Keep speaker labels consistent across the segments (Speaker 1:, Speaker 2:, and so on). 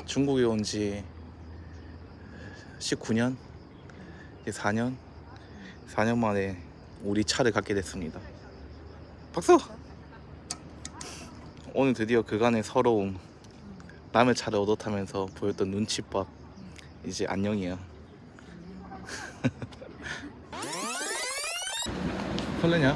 Speaker 1: 중국에 온 지 19년? 이제 4년? 4년 만에 우리 차를 갖게 됐습니다. 박수! 오늘 드디어 그간의 서러움, 남의 차를 얻어 타면서 보였던 눈칫밥 이제 안녕이에요. 설레냐?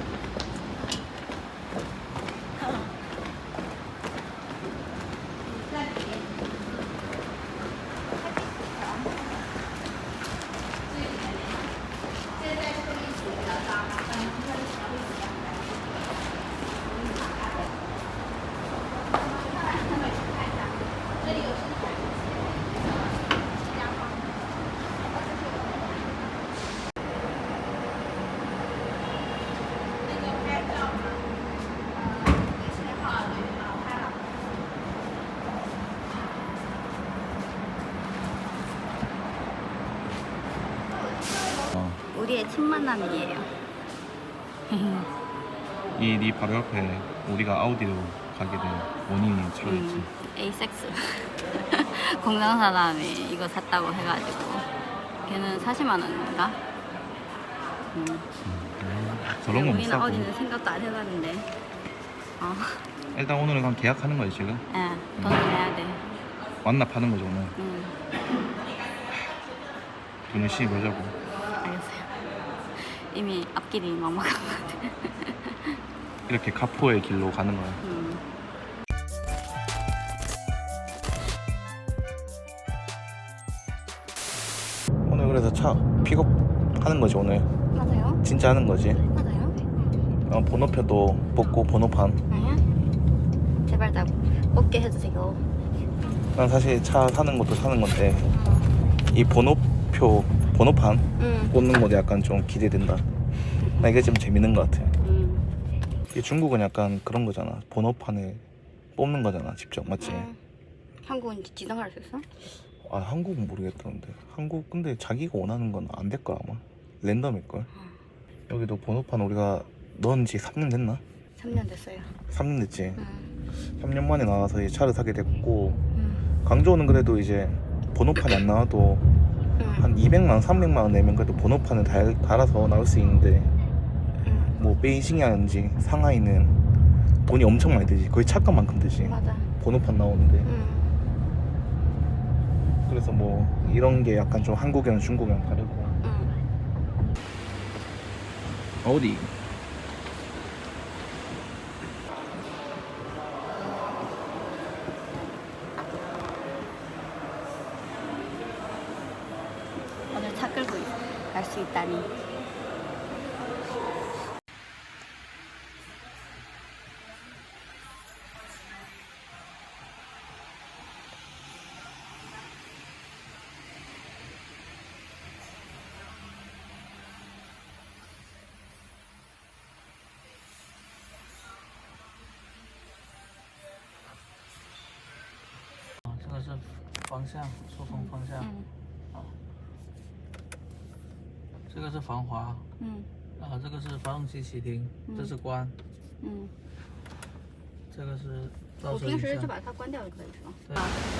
Speaker 2: 우리의 첫 만남이에요.
Speaker 1: 이 네 바로 옆에 우리가 아우디로 가게 된 원인이 차였지.
Speaker 2: 에이섹스. 공장 사람이 이거 샀다고 해가지고 걔는 40만 원인가?
Speaker 1: 저런 거못
Speaker 2: 우리는
Speaker 1: 사고.
Speaker 2: 어디는 생각도 안 해봤는데.
Speaker 1: 일단 오늘은 그냥 계약하는 거지 지금.
Speaker 2: 예, 돈을 내야 돼.
Speaker 1: 완납하는 거죠 오늘. 돈 열심히 벌자고.
Speaker 2: 알겠어요. 이미 앞길이 막막한 것 같아.
Speaker 1: 이렇게 가포의 길로 가는 거야. 오늘 그래서 차 픽업하는 거지 오늘.
Speaker 2: 맞아요?
Speaker 1: 진짜 하는 거지.
Speaker 2: 맞아요?
Speaker 1: 번호표도 뽑고 번호판.
Speaker 2: 아니야? 제발 다 뽑게 해주세요.
Speaker 1: 난 사실 차 사는 것도 사는 건데 이 번호판 뽑는 것도 약간 좀 기대된다. 나 이게 좀 재밌는 것 같아. 이 중국은 약간 그런 거잖아. 번호판을 뽑는 거잖아 직접. 맞지?
Speaker 2: 한국은 지정할 수 있어?
Speaker 1: 아 한국은 모르겠다는데. 한국 근데 자기가 원하는 건 안 될 거야 아마. 랜덤일걸. 여기도 번호판 우리가 넣은 지 3년 됐나?
Speaker 2: 3년 됐어요.
Speaker 1: 3년 됐지. 3년 만에 나와서 이 차를 사게 됐고 광저우는 그래도 이제 번호판이 안 나와도 한 200만 300만 원 내면 그래도 번호판을 달아서 나올 수 있는데 뭐 베이징이라든지 상하이는 돈이 엄청 많이 들지. 거의 차값만큼 들지.
Speaker 2: 맞아.
Speaker 1: 번호판 나오는데. 그래서 뭐 이런 게 약간 좀 한국이랑 중국이랑 다르고. 어디?
Speaker 2: 오늘 차 끌고 갈 수 있다니.
Speaker 3: 这个是方向，出风方向。这个是防滑。这个是发动机启停，这是关。这个是倒车影
Speaker 2: 我平时就
Speaker 3: 像。
Speaker 2: 把它关掉就可以是吧？
Speaker 3: 对。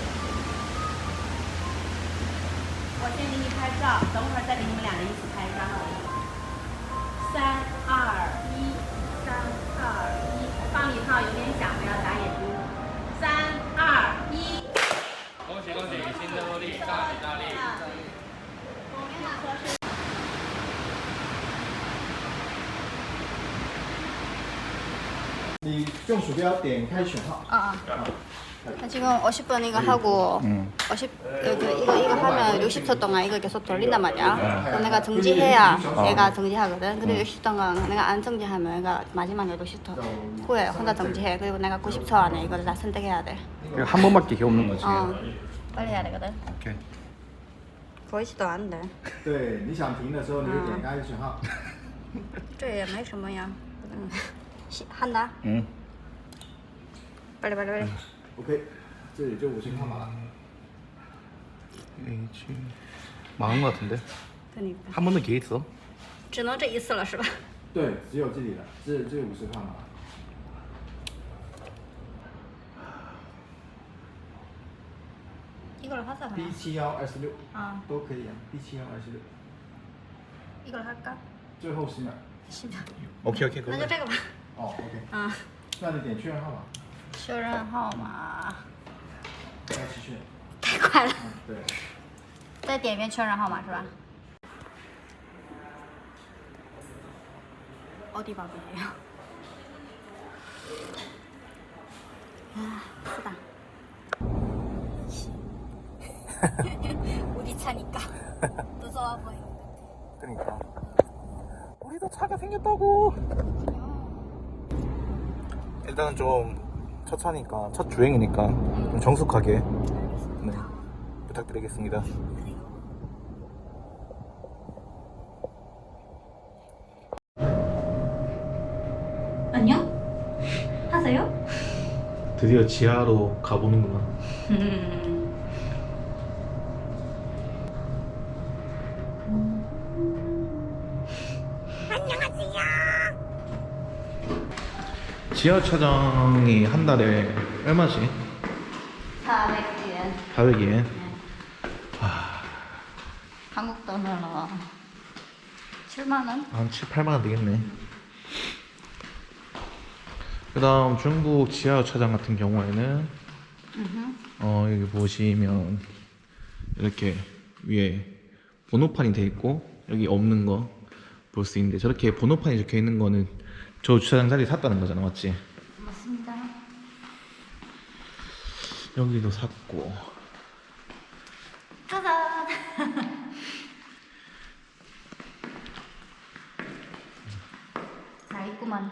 Speaker 4: 我先给你拍照，等会儿再给你们两人一起拍一张。3、2、1，3、2、1，放礼炮有点响，不要眨眼睛。3、2、1。
Speaker 5: 恭喜恭喜，新的获利，大吉大利！
Speaker 6: 你用鼠标点开选号。
Speaker 2: 나 지금 50번 이거 하고 50 이거 하면 60초 동안 이거 계속 돌린단 말이야. 그럼 내가 정지해야 얘가 정지하거든. 근데 60초 동안 내가 안 정지하면 얘가 마지막에 60초 후에 혼자 정지해. 그리고 내가 90초 안에 이거를 다 선택해야 돼.
Speaker 1: 한 번밖에 기회 없는 거지.
Speaker 2: 빨리 해야 되거든.
Speaker 1: 오케이.
Speaker 2: 보이지도 않는데.
Speaker 6: 对，你想停的时候，你就点开选号。
Speaker 2: 这也没什么呀. 한다. 빨리.
Speaker 6: OK，这里就50号码了。
Speaker 1: H 망한 거 같은데?
Speaker 2: 그러니까.
Speaker 1: 한 번 더 기회 있어?
Speaker 2: 只能这一次了是吧？
Speaker 6: 对，只有这里了，这50号码。
Speaker 2: 야 이걸 하자 그냥.
Speaker 6: D7126
Speaker 2: 啊
Speaker 6: 都可以啊，D7126，
Speaker 2: 이걸 할까?
Speaker 6: 最后10秒。
Speaker 2: 10秒
Speaker 1: 오케이 오케이
Speaker 2: 那就这个吧
Speaker 6: 哦，OK，
Speaker 2: 啊
Speaker 6: 那你点确认号码，
Speaker 2: 确认号码
Speaker 6: 再次确认。
Speaker 2: 太快了
Speaker 6: 嗯，对。
Speaker 2: 再点一遍确认号码是吧? 어디 밥이에요? 아, 쓰다. 우리 차니까 무서워 보이는 것 같아.
Speaker 1: 그러니까 우리도 차가 생겼다고. 일단은 좀 첫 차니까 첫 주행이니까 좀 정숙하게 네, 부탁드리겠습니다.
Speaker 2: 안녕? 하세요?
Speaker 1: 드디어 지하로 가보는구나. 지하 차장이 한 달에 얼마지?
Speaker 2: 400엔.
Speaker 1: 400엔.
Speaker 2: 한국 돈으로 7만 원?
Speaker 1: 한 7, 8만 원 되겠네. 그 다음 중국 지하 차장 같은 경우에는 여기 보시면 이렇게 위에 번호판이 돼 있고 여기 없는 거 볼 수 있는데 저렇게 번호판이 적혀 있는 거는 저 주차장 자리 샀다는 거잖아, 맞지?
Speaker 2: 맞습니다.
Speaker 1: 여기도 샀고
Speaker 2: 짜잔! 다 있구만.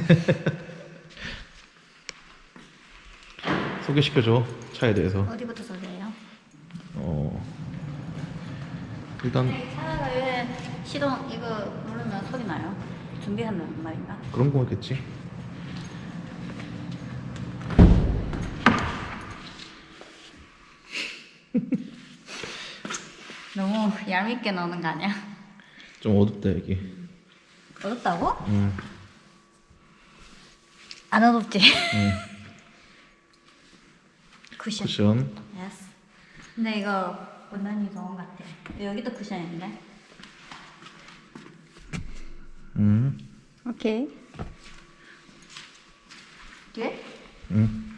Speaker 1: 소개시켜줘, 차에 대해서.
Speaker 2: 어디부터 소개해요?
Speaker 1: 일단
Speaker 2: 차가 왜 시동 이거 누르면 소리 나요? 준비하는 말인가?
Speaker 1: 그런 거겠지.
Speaker 2: 너무 얄밉게 넣는 거 아니야?
Speaker 1: 좀 어둡다 여기.
Speaker 2: 어둡다고?
Speaker 1: 응.
Speaker 2: 안 어둡지?
Speaker 1: 응.
Speaker 2: 쿠션.
Speaker 1: 쿠션.
Speaker 2: 예스. 근데 이거 원단이 좋은 것 같아. 여기도 쿠션인데.
Speaker 1: 응.
Speaker 2: 오케이. 뒤에?
Speaker 1: 응.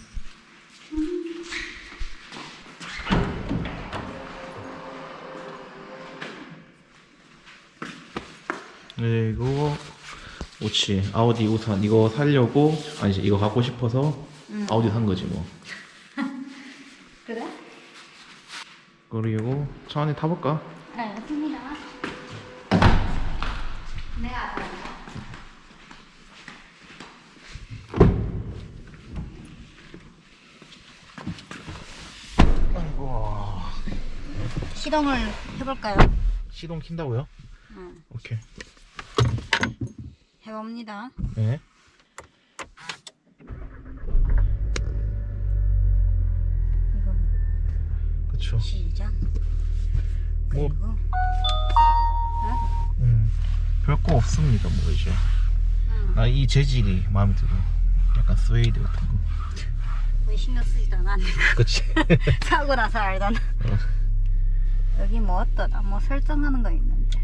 Speaker 1: 그리고 그렇지, 아우디 우산 이거 살려고 아니지 이거 갖고 싶어서 아우디 산 거지 뭐.
Speaker 2: 그래?
Speaker 1: 그리고 차 안에 타볼까?
Speaker 2: 알겠습니다. 내가 알아.
Speaker 1: 아이고.
Speaker 2: 시동을 해볼까요?
Speaker 1: 시동 킨다고요?
Speaker 2: 응.
Speaker 1: 오케이.
Speaker 2: 해봅니다.
Speaker 1: 네.
Speaker 2: 이거
Speaker 1: 그쵸.
Speaker 2: 시작.
Speaker 1: 뭐
Speaker 2: 그리고
Speaker 1: 별거 없습니다 뭐 이제. 나 이 재질이 마음에 들어. 약간 스웨이드 같은 거.
Speaker 2: 왜 신경 쓰지도 않았네.
Speaker 1: 그치.
Speaker 2: 사고 나서 알던. 여기 뭐 어떠나 뭐 설정하는 거 있는데.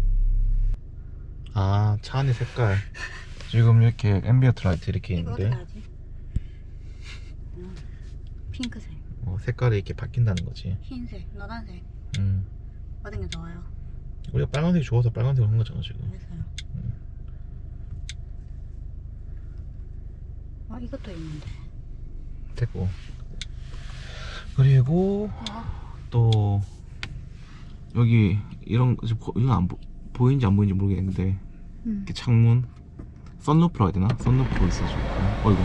Speaker 1: 아, 차 안의 색깔. 지금 이렇게 앰비언트 라이트 이렇게
Speaker 2: 이거 어떻게
Speaker 1: 있는데
Speaker 2: 하지? 핑크색,
Speaker 1: 색깔이 이렇게 바뀐다는 거지.
Speaker 2: 흰색, 노란색
Speaker 1: 음.
Speaker 2: 어떤 게 좋아요?
Speaker 1: 우리가 빨간색이 좋아서 빨간색을 한 거잖아 지금.
Speaker 2: 그래서요. 아 이것도 있는데.
Speaker 1: 됐고. 그리고 또 여기 이런 이건 안 보이는지 안 보이는지 모르겠는데 이렇게 창문 썬루프라 해야 되나? 썬루프 있어가지고. 어이구.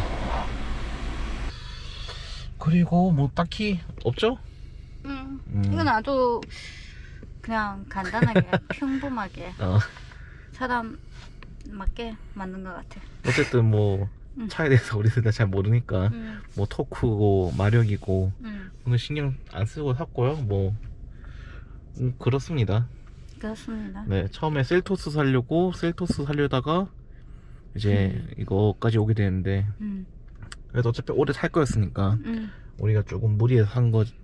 Speaker 1: 그리고 뭐 딱히 없죠?
Speaker 2: 이건 아주 그냥 간단하게 평범하게 사람 맞게 만든 것 같아.
Speaker 1: 어쨌든 뭐 차에 대해서 우리들 다 잘 모르니까 뭐 토크고 마력이고 오늘 신경 안 쓰고 샀고요. 뭐 그렇습니다.
Speaker 2: 그렇습니다.
Speaker 1: 네, 처음에 셀토스 살려다가 이제 이거까지 오게 되는데 그래도 어차피 오래 살 거였으니까 우리가 조금 무리해서 산 거지.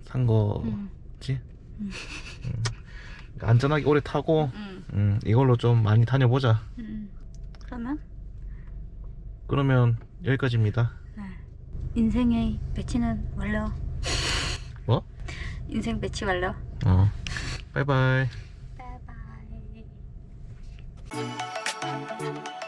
Speaker 1: 안전하게 오래 타고 이걸로 좀 많이 다녀보자. 그러면 여기까지입니다.
Speaker 2: 인생의 배치는 완료.
Speaker 1: 뭐?
Speaker 2: 인생 배치 완료.
Speaker 1: 바이바이.
Speaker 2: 바이바이.